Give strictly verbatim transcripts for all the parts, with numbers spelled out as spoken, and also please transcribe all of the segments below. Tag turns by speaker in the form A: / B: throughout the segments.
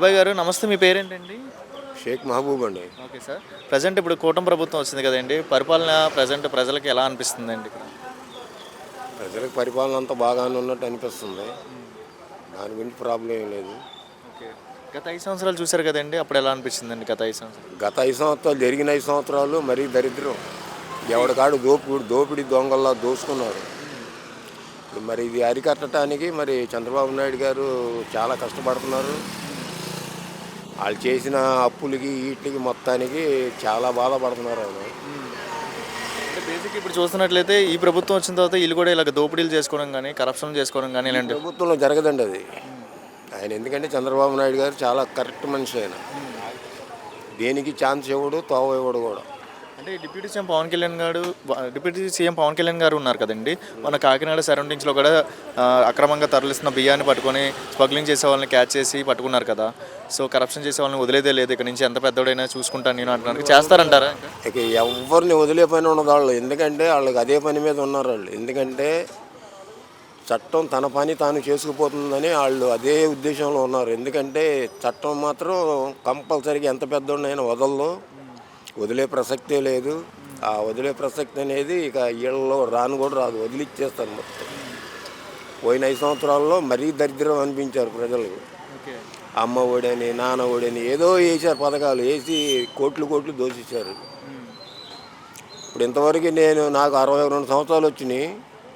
A: బాబాయ్ గారు నమస్తే, మీ పేరేంటండి?
B: షేక్ మహబూబ్ అండి.
A: Okay sir. ప్రజెంట్ ఇప్పుడు కూటమి ప్రభుత్వం వచ్చింది కదండి, పరిపాలన ప్రజెంట్ ప్రజలకి ఎలా అనిపిస్తుందండి ఇక్కడ?
B: ప్రజలకు పరిపాలన అంతా బాగానే ఉన్నట్టు అనిపిస్తుంది. దాని గురించి ప్రాబ్లం ఏం లేదు.
A: ఓకే. గత ఐదు సంవత్సరాలు చూశారు కదండి, అప్పుడు ఎలా అనిపించిందండి గత ఐదు సంవత్సరాలు?
B: గత ఐదు సంవత్సరాలు జరిగిన ఐదు సంవత్సరాలు మరీ దరిద్రం. ఎవడికాడు దోపిడి దోపిడి దొంగల్లా దోసుకున్నారు. మరి ఇది అరికట్టడానికి మరి చంద్రబాబు నాయుడు గారు చాలా కష్టపడుతున్నారు. వాళ్ళు చేసిన అప్పులకి వీటికి మొత్తానికి చాలా బాధపడుతున్నారు ఆయన.
A: అంటే బేసిక్ ఇప్పుడు చూస్తున్నట్లయితే ఈ ప్రభుత్వం వచ్చిన తర్వాత వీళ్ళు కూడా ఇలాగ దోపిడీలు చేసుకోవడం కానీ, కరప్షన్ చేసుకోవడం కానీ ఇలాంటి
B: ప్రభుత్వంలో జరగదండి అది. ఆయన ఎందుకంటే చంద్రబాబు నాయుడు గారు చాలా కరెక్ట్ మనిషి. ఆయన దేనికి ఛాన్స్ ఇవ్వడు, తోవ ఇవ్వడు కూడా.
A: అంటే డిప్యూటీ సీఎం పవన్ కళ్యాణ్ గారు డిప్యూటీ సీఎం పవన్ కళ్యాణ్ గారు ఉన్నారు కదండి, మన కాకినాడ సరౌండింగ్స్లో కూడా ఆ, అక్రమంగా తరలిస్తున్న బియ్యాన్ని పట్టుకొని స్మగ్లింగ్ చేసే వాళ్ళని క్యాచ్ చేసి పట్టుకున్నారు కదా. సో కరప్షన్ చేసే వాళ్ళని వదిలేదే లేదు, ఇక్కడ నుంచి ఎంత పెద్దోడైనా చూసుకుంటాను నేను అంటున్నారు. చేస్తారంటారా?
B: ఇక ఎవరిని వదిలే పని ఉండదు వాళ్ళు. ఎందుకంటే వాళ్ళకి అదే పని మీద ఉన్నారు వాళ్ళు. ఎందుకంటే చట్టం తన పని తాను చేసుకుపోతుందని వాళ్ళు అదే ఉద్దేశంలో ఉన్నారు. ఎందుకంటే చట్టం మాత్రం కంపల్సరీగా ఎంత పెద్దోడైనా వదలదు, వదిలే ప్రసక్తే లేదు. ఆ వదిలే ప్రసక్తి అనేది ఇక ఇళ్లలో రాను కూడా రాదు, వదిలిచ్చేస్తారు మొత్తం. పోయిన ఐదు సంవత్సరాల్లో మరీ దరిద్రం అనిపించారు ప్రజలకు. అమ్మ ఒడని నాన్న ఒడని ఏదో వేసారు పథకాలు, వేసి కోట్లు కోట్లు దోషించారు. ఇప్పుడు ఇంతవరకు నేను నాకు అరవై రెండు సంవత్సరాలు వచ్చినాయి.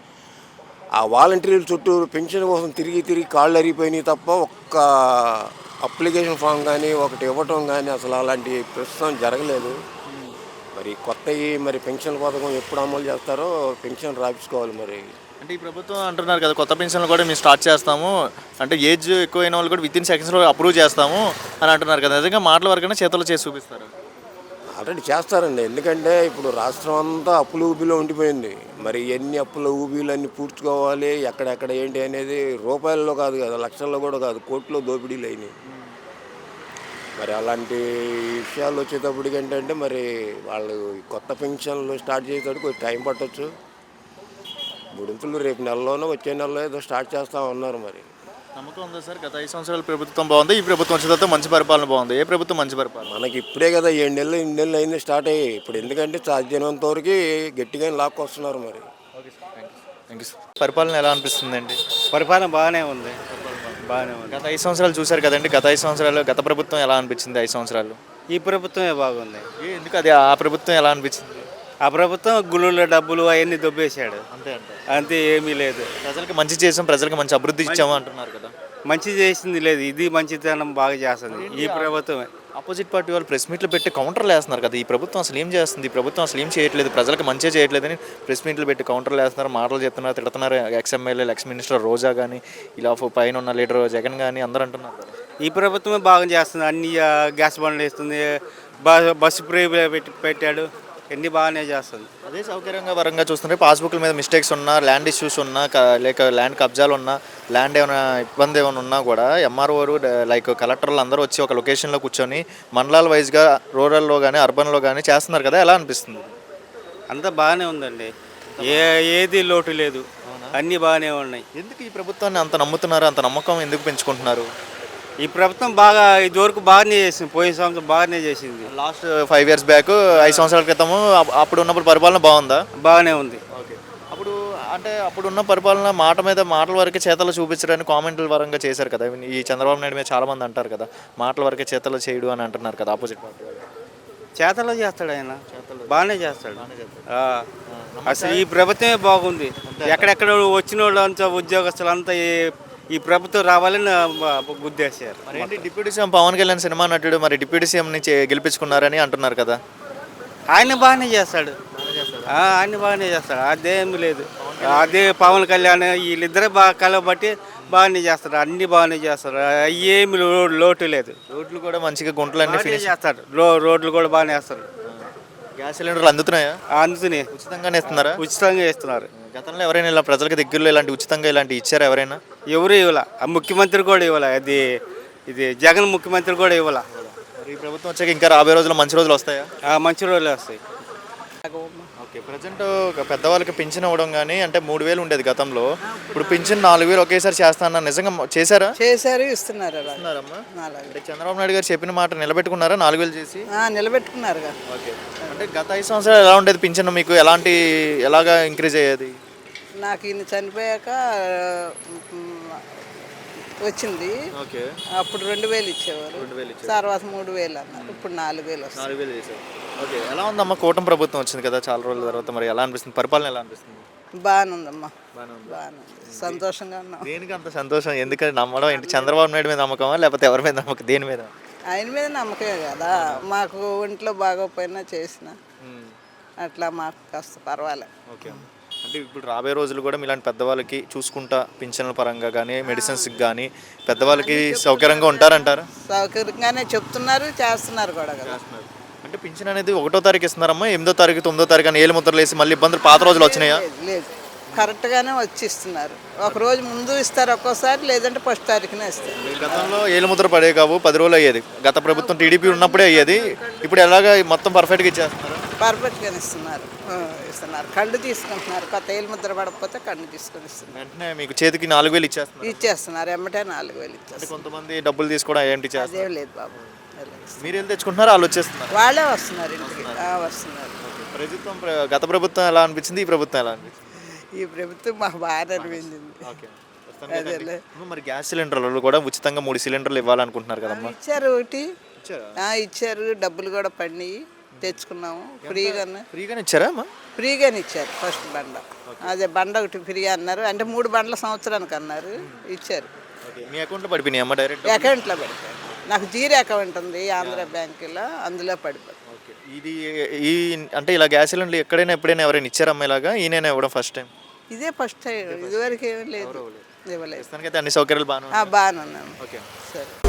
B: ఆ వాలంటీర్ల చుట్టూ పెన్షన్ కోసం తిరిగి తిరిగి కాళ్ళు అరిగిపోయినాయి తప్ప ఒక్క అప్లికేషన్ ఫామ్ కానీ ఒకటి ఇవ్వటం కానీ అసలు అలాంటి ప్రస్తుతం జరగలేదు. మరి కొత్తవి మరి పెన్షన్ పథకం ఎప్పుడు అమలు చేస్తారో పెన్షన్ రాపించుకోవాలి. మరి
A: అంటే ఈ ప్రభుత్వం అంటున్నారు కదా, కొత్త పెన్షన్లు కూడా మేము స్టార్ట్ చేస్తాము, అంటే ఏజ్ ఎక్కువైన వాళ్ళు కూడా విత్ ఇన్ సెకండ్స్లో అప్రూవ్ చేస్తాము అని అంటున్నారు కదా. నిజంగా మాటల వరకైనా చేతుల్లో చేసి చూపిస్తారు?
B: ఆల్రెడీ చేస్తారండి. ఎందుకంటే ఇప్పుడు రాష్ట్రం అంతా అప్పుల ఊబిలో ఉండిపోయింది. మరి ఎన్ని అప్పుల ఊబీలన్నీ పూడ్చుకోవాలి, ఎక్కడెక్కడ ఏంటి అనేది రూపాయల్లో కాదు కదా, లక్షల్లో కూడా కాదు, కోట్లో దోపిడీలు అయినాయి. మరి అలాంటి విషయాలు వచ్చేటప్పటికి ఏంటంటే మరి వాళ్ళు కొత్త పెన్షన్లు స్టార్ట్ చేసేటప్పుడు కొంచెం టైం పట్టవచ్చు. మూడింతలు రేపు నెలలోనో వచ్చే నెలలో ఏదో స్టార్ట్ చేస్తూ ఉన్నారు. మరి
A: నమ్మకం ఉందా సార్? గత ఐదు సంవత్సరాల ప్రభుత్వం బాగుంది, ఈ ప్రభుత్వం వచ్చిన తర్వాత మంచి పరిపాలన బాగుంది. ఏ ప్రభుత్వం మంచి పరిపాలన?
B: మనకి ఇప్పుడే కదా ఏడు నెలలు ఎనిమిది నెలలు అయింది స్టార్ట్ అయ్యి. ఇప్పుడు ఎందుకంటే సాధ్యమైనంత వరకు గట్టిగా లాక్కొస్తున్నారు. మరి
A: okay sir, thank you thank you sir. పరిపాలన ఎలా అనిపిస్తుందండి?
C: పరిపాలన బాగానే ఉంది, బాగానే ఉంది.
A: గత ఐదు సంవత్సరాలు చూశారు కదండి, గత ఐదు సంవత్సరాలు గత ప్రభుత్వం ఎలా అనిపించింది? ఐదు సంవత్సరాలు
C: ఈ ప్రభుత్వమే బాగుంది.
A: ఏ ఎందుకు అది ఆ ప్రభుత్వం ఎలా అనిపించింది?
C: ఆ ప్రభుత్వం గుళ్ళ డబ్బులు అవన్నీ దొబ్బేశాడు,
A: అంతే అంటే
C: అంతే, ఏమీ లేదు.
A: ప్రజలకు మంచి చేసాం, ప్రజలకు మంచి అభివృద్ధి ఇచ్చాము అంటున్నారు కదా.
C: మంచి చేసింది లేదు, ఇది మంచితనం బాగా చేస్తుంది ఈ ప్రభుత్వమే.
A: ఆపోజిట్ పార్టీ వాళ్ళు ప్రెస్ మీట్లు పెట్టి కౌంటర్లు వేస్తున్నారు కదా, ఈ ప్రభుత్వం అసలు ఏం చేస్తుంది, ఈ ప్రభుత్వం అసలు ఏం చేయట్లేదు, ప్రజలకు మంచి చేయట్లేదని ప్రెస్ మీట్లు పెట్టి కౌంటర్లు వేస్తున్నారు, మాటలు చెప్తున్నారు, తిడుతున్నారు. ఎక్స్ ఎమ్మెల్యేలు, ఎక్స్ మినిస్టర్ రోజా కానీ, ఇలా పైన ఉన్న లీడర్ జగన్ కానీ అందరూ అంటున్నారు కదా.
C: ఈ ప్రభుత్వమే బాగా చేస్తుంది. అన్ని ఆ, గ్యాస్ బండ్లు వేస్తుంది, బస్సు ఫ్రీ పెట్టి పెట్టాడు, అన్ని బాగానే చేస్తుంది.
A: అదే సౌకర్యంగా వరంగా చూస్తుంటే పాస్బుక్ల మీద మిస్టేక్స్ ఉన్నా, ల్యాండ్ ఇష్యూస్ ఉన్నా, క- లేక ల్యాండ్ కబ్జాలు ఉన్నా, ల్యాండ్ ఏమైనా ఇబ్బంది ఏమైనా ఉన్నా కూడా ఎంఆర్ఓలు లైక్ కలెక్టర్లు అందరూ వచ్చి ఒక లొకేషన్లో కూర్చొని మండలాల వైజ్గా రూరల్లో కానీ అర్బన్లో కానీ చేస్తున్నారు కదా. ఎలా అనిపిస్తుంది?
C: అంతా బాగానే ఉందండి, ఏ ఏది లోటు లేదు, అన్నీ బాగానే ఉన్నాయి.
A: ఎందుకు ఈ ప్రభుత్వాన్ని అంత నమ్ముతున్నారు, అంత నమ్మకం ఎందుకు పెంచుకుంటున్నారు?
C: ఈ ప్రభుత్వం బాగా ఇదివరకు బాగానే చేసింది, పోయిన సంవత్సరం బాగానే చేసింది.
A: లాస్ట్ ఫైవ్ ఇయర్స్ బ్యాక్ ఐదు సంవత్సరాల క్రితము అప్- అప్పుడు ఉన్నప్పుడు పరిపాలన బాగుందా?
C: బాగానే ఉంది.
A: ఓకే. అప్పుడు అంటే అప్పుడున్న పరిపాలన మాట మీద మాటల వరకే చేతలు చూపించడానికి కామెంట్ల వరంగా చేశారు కదా. ఈ చంద్రబాబు నాయుడు మీద చాలా మంది అంటారు కదా, మాటల వరకే చేతలు చేయడు అని అంటున్నారు కదా ఆపోజిట్ పార్టీ వాళ్ళు.
C: చేతలో చేస్తాడు ఆయన, బాగానే చేస్తాడు. ఆ, అసలు ఈ ప్రభుత్వమే బాగుంది. ఎక్కడెక్కడ వచ్చిన వాళ్ళు అంతా ఉద్యోగస్తులు అంతా ఈ- ఈ ప్రభుత్వం రావాలని గుద్దేశారు.
A: మరి ఏంటి deputy CM Pawan Kalyan cinema నటుడు, మరి డిప్యూటీ సీఎం నుంచి గెలిపించుకున్నారని అంటున్నారు కదా.
C: ఆయన బాగానే చేస్తాడు, ఆ, ఆయన బాగానే చేస్తాడు, అదేమి లేదు. అదే పవన్ కళ్యాణ్ వీళ్ళిద్దరే బాగా కలబట్టి బాగానే చేస్తారు, అన్ని బాగానే చేస్తారు, ఏమి లో- లోటు లేదు.
A: రోడ్లు కూడా మంచిగా గుంటలన్నీ
C: బాగానే
A: ఫినిష్.
C: చేస్తాడు, రో రోడ్లు కూడా బాగానే వేస్తారు.
A: గ్యాస్ సిలిండర్లు అందుతున్నాయా?
C: అందుతున్నాయి,
A: ఉచితంగానే ఇస్తున్నారా?
C: ఉచితంగా ఇస్తున్నారు.
A: గతంలో ఎవరైనా ఇలా ప్రజలకు దగ్గరలో ఇలాంటి ఉచితంగా ఇలాంటి ఇచ్చారా ఎవరైనా?
C: ఎవరు ఇవ్వాల, ఆ ముఖ్యమంత్రి కూడా ఇవ్వాల, అది ఇది జగన్ ముఖ్యమంత్రి కూడా ఇవ్వాల.
A: మరి ఈ ప్రభుత్వం వచ్చాక ఇంకా రాబోయే రోజుల్లో మంచి రోజులు వస్తాయా?
C: ఆ, మంచి రోజులు వస్తాయి.
A: ఓకే, ప్రజెంట్ పెద్దవాళ్ళకి పింఛన్ ఇవ్వడం కానీ అంటే మూడు వేలు ఉండేది గతంలో, ఇప్పుడు పింఛన్ నాలుగు వేలు ఒకేసారి చేస్తానన్నారు, నిజంగా చేశారా?
D: చేశారు, ఇస్తున్నారు అలా.
A: ఇస్తున్నారమ్మా?
D: అలాగే.
A: అంటే చంద్రబాబు నాయుడు గారు చెప్పిన మాట నిలబెట్టుకున్నారా నాలుగు వేలు చేసి?
D: ఆ, నిలబెట్టుకున్నారుగా.
A: ఓకే, అంటే గత ఐదు సంవత్సరాలు ఎలా ఉండేది పింఛన్ మీకు, ఎలాంటి ఎలాగా ఇంక్రీజ్ అయ్యేది?
D: నాకు ఈయన చనిపోయాక మ్, వచ్చింది.
A: ఓకే,
D: అప్పుడు రెండు వేలు ఇచ్చేవారు,
A: రెండు వేలు ఇచ్చారు.
D: తర్వాత మూడు వేలు అన్నారు, ఇప్పుడు నాలుగు వేలు వస్తుంది.
A: నాలుగు వేలు చేశారు. ఓకే, ఎలా ఉందమ్మా కూటమి ప్రభుత్వం వచ్చింది కదా చాలా రోజుల తర్వాత, మరి ఎలా అనిపిస్తుంది, పరిపాలన ఎలా అనిపిస్తుంది?
D: బాగానే ఉందమ్మా,
A: బాగానే ఉంది.
D: బాగానే ఉంది, సంతోషంగా ఉన్నాం.
A: దేనికి అంత సంతోషం, ఎందుకంటే నమ్మడం ఏంటి, చంద్రబాబు నాయుడు మీద నమ్మకమా లేకపోతే ఎవరి మీద నమ్మకం, దేని మీద?
D: ఆయన మీద నమ్మకమే కదా, మాకు ఒంట్లో బాగోపోయినా చేసిన అట్లా మాకు కాస్త పర్వాలే.
A: ఓకే, అంటే ఇప్పుడు రాబోయే రోజులు కూడా ఇలాంటి పెద్దవాళ్ళకి చూసుకుంటా పింఛన్ల పరంగా కానీ మెడిసిన్స్కి కానీ పెద్దవాళ్ళకి సౌకర్యంగా ఉంటారంటారా?
D: సౌకర్యంగానే చెప్తున్నారు, చేస్తున్నారు కూడా కదా.
A: అంటే పింఛన్ అనేది ఒకటో తారీఖు ఇస్తున్నారమ్మా, ఎనిమిదో తారీఖు తొమ్మిదో తారీఖు అని ఏళ్ళు ముద్రలు వేసి మళ్ళీ ఇబ్బందులు పాత రోజులు వచ్చినాయా?
D: లేదు, లేదు, కరెక్ట్గానే వచ్చి ఇస్తున్నారు. ఒక రోజు ముందు ఇస్తారు ఒక్కోసారి, లేదంటే ఫస్ట్ తారీఖునే ఇస్తారు.
A: గతంలో ఏళ్ళు ముద్ర పడే కావు, పది రోజులు అయ్యేది, గత ప్రభుత్వం టీడీపీ ఉన్నప్పుడే అయ్యేది, ఇప్పుడు ఎలాగా మొత్తం పర్ఫెక్ట్గా ఇచ్చేస్తున్నారు?
D: పర్ఫెక్ట్గానే ఇస్తున్నారు, ఆ, ఇస్తున్నారు. కళ్ళు తీసుకుంటున్నారు, కొత్త ఏళ్ళు ముద్ర పడకపోతే కళ్ళు తీసుకొని ఇస్తున్నారు.
A: వెంటనే మీకు చేతికి నాలుగు వేలు ఇచ్చేస్తున్నారు.
D: ఇచ్చేస్తున్నారు, ఎమ్మటే నాలుగు వేలు
A: అంటే
D: ఇచ్చేస్తారు.
A: కొంతమంది డబ్బులు తీసుకోవడం ఏంటి చేస్తారు,
D: అదేం లేదు బాబు,
A: మీరు వెళ్ళి తెచ్చుకుంటున్నారు, వాళ్ళు వచ్చేస్తున్నారు?
D: వాళ్ళే వస్తున్నారు ఇంటికి, ఆ, వస్తున్నారు.
A: ప్రభుత్వం ప్ర- గత ప్రభుత్వం ఎలా అనిపించింది, ఈ ప్రభుత్వం ఎలా అనిపించింది?
D: ఈ ప్రభుత్వం మాకు బాగా అనిపించింది.
A: ఓకే,
D: అదేలే.
A: మరి గ్యాస్ సిలిండర్లు కూడా ఉచితంగా మూడు సిలిండర్లు ఇవ్వాలనుకుంటున్నారు కదమ్మా?
D: ఇచ్చారు ఒకటి,
A: ఇచ్చారా?
D: ఆ, ఇచ్చారు, డబ్బులు కూడా పడినాయి, తెచ్చుకున్నాము ఫ్రీగానే.
A: ఫ్రీగానే ఇచ్చారా అమ్మా?
D: ఫ్రీగానే ఇచ్చారు ఫస్ట్ బండ, అదే బండ ఒకటి ఫ్రీ అన్నారు, అంటే మూడు బండ్ల సంవత్సరానికి అన్నారు, ఇచ్చారు.
A: ఓకే, మీ అకౌంట్లో పడిపోయినాయి అమ్మా డైరెక్ట్?
D: అకౌంట్లో పెడతారు. నాకు జీరో అకౌంట్ ఉంది ఆంధ్ర బ్యాంకులో, అందులో పడిపోతుంది.
A: ఓకే, ఇది ఈ అంటే ఇలా గ్యాస్ సిలిండర్లు ఎక్కడైనా ఎప్పుడైనా ఎవరైనా ఇచ్చారమ్మా ఇలాగా, ఈయన ఇవ్వడం ఫస్ట్ టైం?
D: ఇదే ఫస్ట్ టైం, ఇదివరకు ఏమీ లేదు, ఇవ్వలేదు.
A: ప్రస్తుతానికైతే అన్ని సౌకర్యాలు బాగానే
D: బాగానే ఉన్నాను.
A: ఓకే.
D: సరే.